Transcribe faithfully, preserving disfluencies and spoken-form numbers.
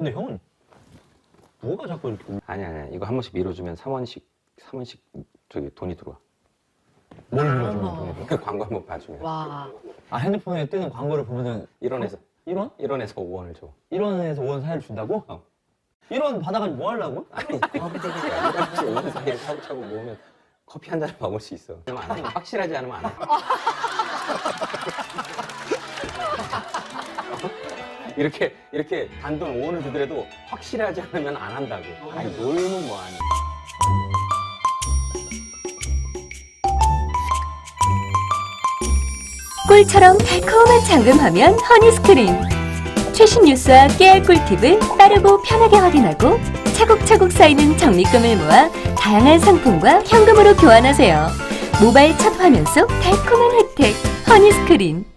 근데 형은 뭐가 자꾸 이렇게 아니 아니 이거 한 번씩 밀어주면 삼 원씩 삼 원씩 저기 돈이 들어와. 뭘 밀어주면 어머. 돈이 들어? 그 광고 한번 봐주면 와. 아 핸드폰에 뜨는 광고를 보면은 일 원에서 일 원? 일 원에서 오 원을 줘. 일 원에서 오 원 사이를 준다고? 어. 일 원 받아가지고 뭐 하려고? 아니 일 원에서 오 원 사이를 차곡차곡 모으면 커피 한 잔을 먹을 수 있어. 그러면 안 해. 확실하지 않으면 안 해. 이렇게 이렇게 단돈 오 원을 주더라도 확실하지 않으면 안 한다고. 아니 놀면 뭐하니. 꿀처럼 달콤한 잠금하면 허니스크린. 최신 뉴스와 깨알 꿀팁을 빠르고 편하게 확인하고 차곡차곡 쌓이는 적립금을 모아 다양한 상품과 현금으로 교환하세요. 모바일 첫 화면 속 달콤한 혜택 허니스크린.